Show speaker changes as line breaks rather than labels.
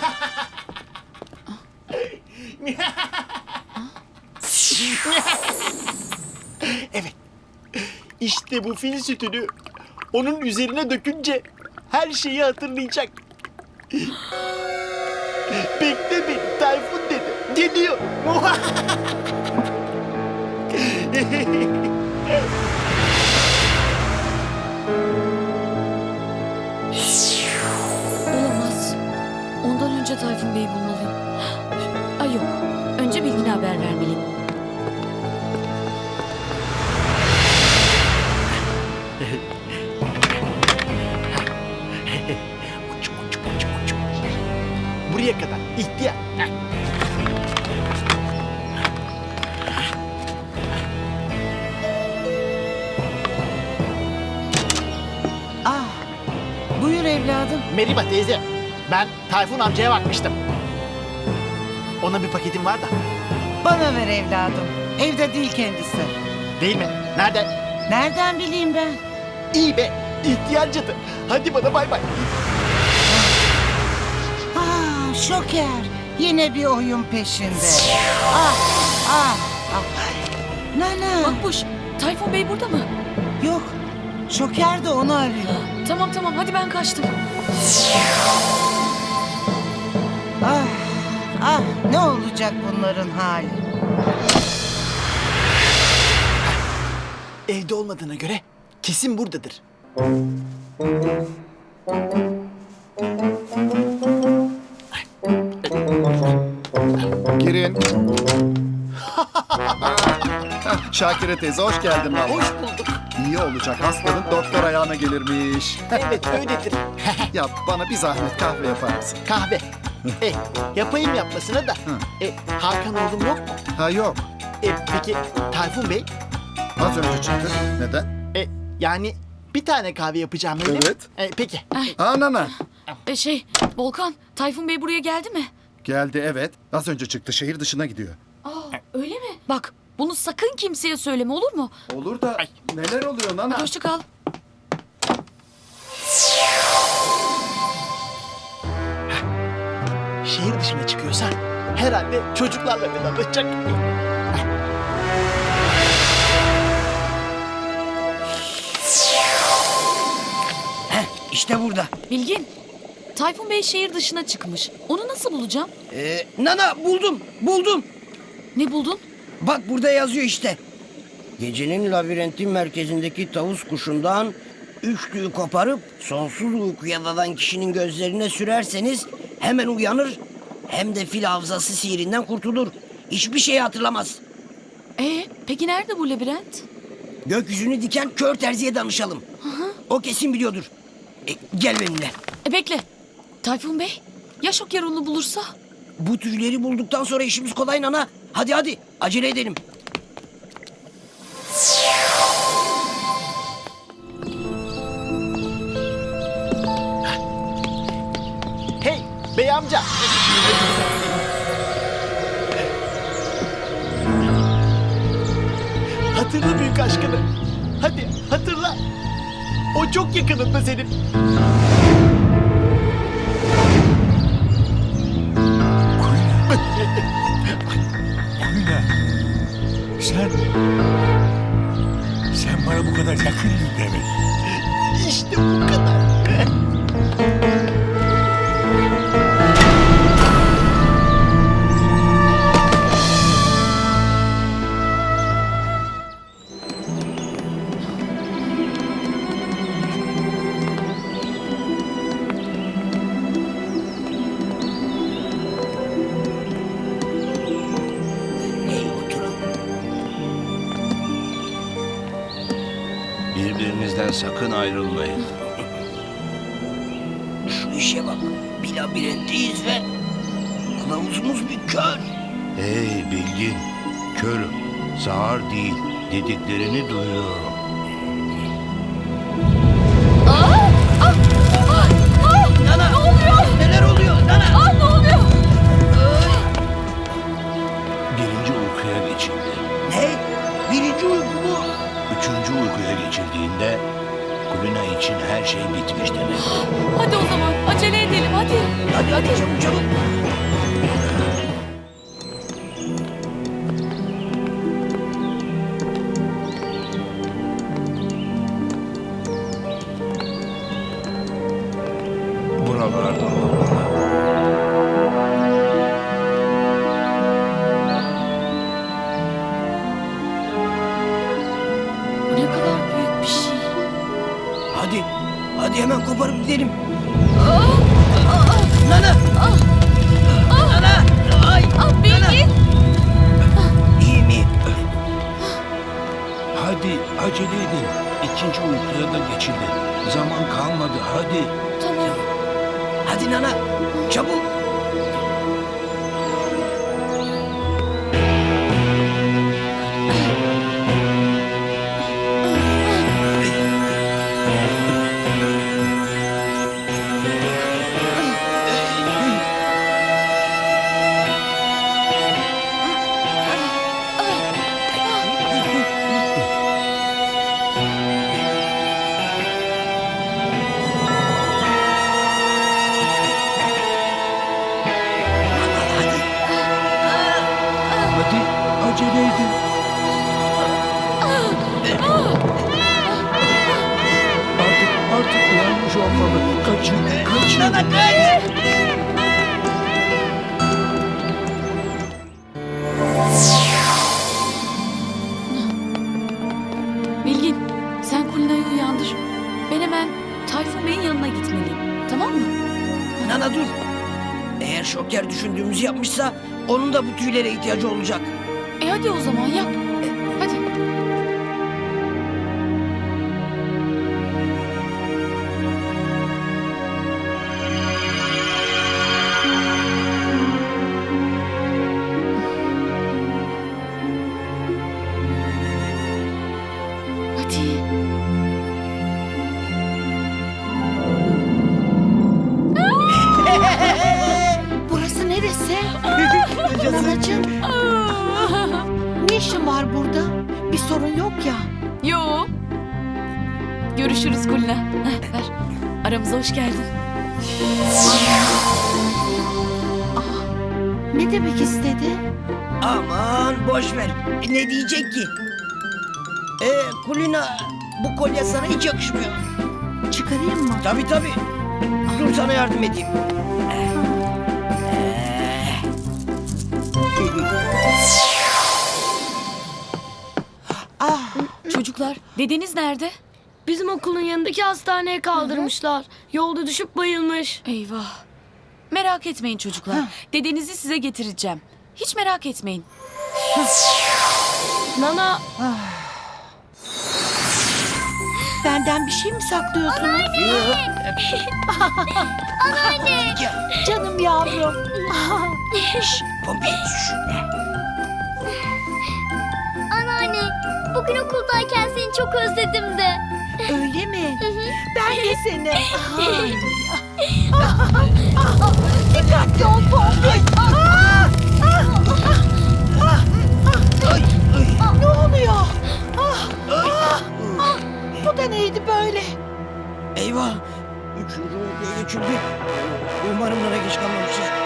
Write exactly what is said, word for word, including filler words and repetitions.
Evet. İşte bu fil sütünü onun üzerine dökünce her şeyi hatırlayacak. Bekle beni Tayfun dedi. Geliyor.
Olamaz. Ondan önce Tayfun Bey'i bulmalıyım. Ay yok. Önce Bilgin'e haber vermeliyim.
Uçuk, uçuk, uçuk, uçuk. Buraya kadar ihtiyar.
Ah, buyur evladım.
Meriba teyze, ben Tayfun amcaya bakmıştım. Ona bir paketim var da.
Bana ver evladım. Evde değil kendisi.
Değil mi? Nerede?
Nereden bileyim ben?
İyi be, ihtiyar cadı. Hadi bana bay bay.
Ah, Şoker. Yine bir oyun peşinde. Ah, ah, ah. Nana.
Makbuş, Tayfun Bey burada mı?
Yok. Şoker de onu arıyor.
Tamam tamam, hadi ben kaçtım.
Ah, ah. Ne olacak bunların hali?
Evde olmadığına göre kesin buradadır.
Girin. Şakire teyze hoş geldin valla.
Hoş bulduk.
İyi olacak hastanın doktor ayağına gelirmiş.
Evet öyledir.
Ya bana bir zahmet kahve yapar mısın?
Kahve. E, yapayım yapmasına da. E, Hakan oğlum yok mu?
Ha yok.
E, peki Tayfun Bey?
Az önce çıktı. Neden?
E, yani bir tane kahve yapacağım öyle mi?
Evet.
E, peki.
Ha nana.
E şey, Volkan, Tayfun Bey buraya geldi mi?
Geldi evet. Az önce çıktı şehir dışına gidiyor.
Aa, öyle mi? Bak, bunu sakın kimseye söyleme, olur mu?
Olur da neler oluyor nana?
Hoşça kal.
Şehir dışına çıkıyorsa herhalde çocuklarla vedalaşacak.
İşte burada.
Bilgin, Tayfun Bey şehir dışına çıkmış. Onu nasıl bulacağım?
Ee, Nana buldum, buldum.
Ne buldun?
Bak burada yazıyor işte. Gecenin labirentin merkezindeki tavus kuşundan üç tüyü koparıp sonsuz uykuya dalan kişinin gözlerine sürerseniz hemen uyanır, hem de fil hafızası sihirinden kurtulur. Hiçbir şey hatırlamaz.
Ee, peki nerede bu labirent?
Gökyüzünü diken kör terziye danışalım. O kesin biliyordur. E, gel benimle.
E bekle. Tayfun Bey, ya Şoker onu bulursa?
Bu tüyleri bulduktan sonra işimiz kolay Nana. Hadi hadi acele edelim.
Hey bey amca. Hatırla büyük aşkını. Hadi hatırla. O çok yakınında senin.
Kulina, sen... Sen bana bu kadar yakındın demek.
İşte bu kadar.
Hey oturun.
Birbirinizden sakın ayrılmayın.
Şu işe bak. Bir labirentteyiz ve kılavuzumuz bir kör.
Hey Bilgin, körüm, sağır değil, dediklerini duyuyorum.
Nana! Ne oluyor? Neler oluyor? Nana!
Aa, ne oluyor?
Birinci uykuya geçildi.
Ne? Birinci uyku mu?
Üçüncü uykuya geçildiğinde Kulina için her şey bitmiş demek.
Hadi o zaman, acele edelim hadi.
Hadi hadi çabuk çabuk.
Buralarda olmalı.
Bu ne kadar büyük bir şey.
Hadi. Hadi hemen koparıp gidelim. Nana. Nana. Ay.
Ah Bilgin.
İyiyim iyiyim.
Hadi acele edin. İkinci uykuya da geçildi. Zaman kalmadı hadi.
Tamam.
Hadi Nana. Çabuk.
Hadi acele edin. Artık artık uyanmış olmalı. Kaçın kaçın.
Nana kaç.
Bilgin, sen Kulina'yı uyandır. Ben hemen Tayfun Bey'in yanına gitmeliyim. Tamam mı?
Nana dur. Eğer Şoker düşündüğümüzü yapmışsa onun da bu tüylere ihtiyacı olacak.
E hadi o zaman yap. E, hadi. Hadi.
Burası neresi? Nanacığım, ne işin var burada? Bir sorun yok ya.
Yo. Görüşürüz Kulina. Heh, ver. Aramıza hoş geldin.
Ne demek istedi?
Aman boş ver. E, ne diyecek ki? Ee, Kulina bu kolye sana hiç yakışmıyor.
Çıkarayım mı?
Tabii tabii. Dur sana yardım edeyim.
Ah,
Çocuklar, dedeniz nerede?
Bizim okulun yanındaki hastaneye kaldırmışlar. Yolda düşüp bayılmış.
Eyvah. Merak etmeyin çocuklar. Dedenizi size getireceğim. Hiç merak etmeyin.
Nana,
benden bir şey mi saklıyorsunuz? Canım yavrum.
Şşş, Pompi. şşş.
Anneanne, bugün okuldayken seni çok özledim de.
Öyle mi? Ben de seni. Ay. Dikkatli ol Pompi. Ah! Ah! Ah!
Ay, ay,
Ne oluyor? Ah!
ay.
Ah! Bu da neydi böyle?
Eyvah. Üçüncü uykuya geçildi. Umarım bana geç kalmamışız.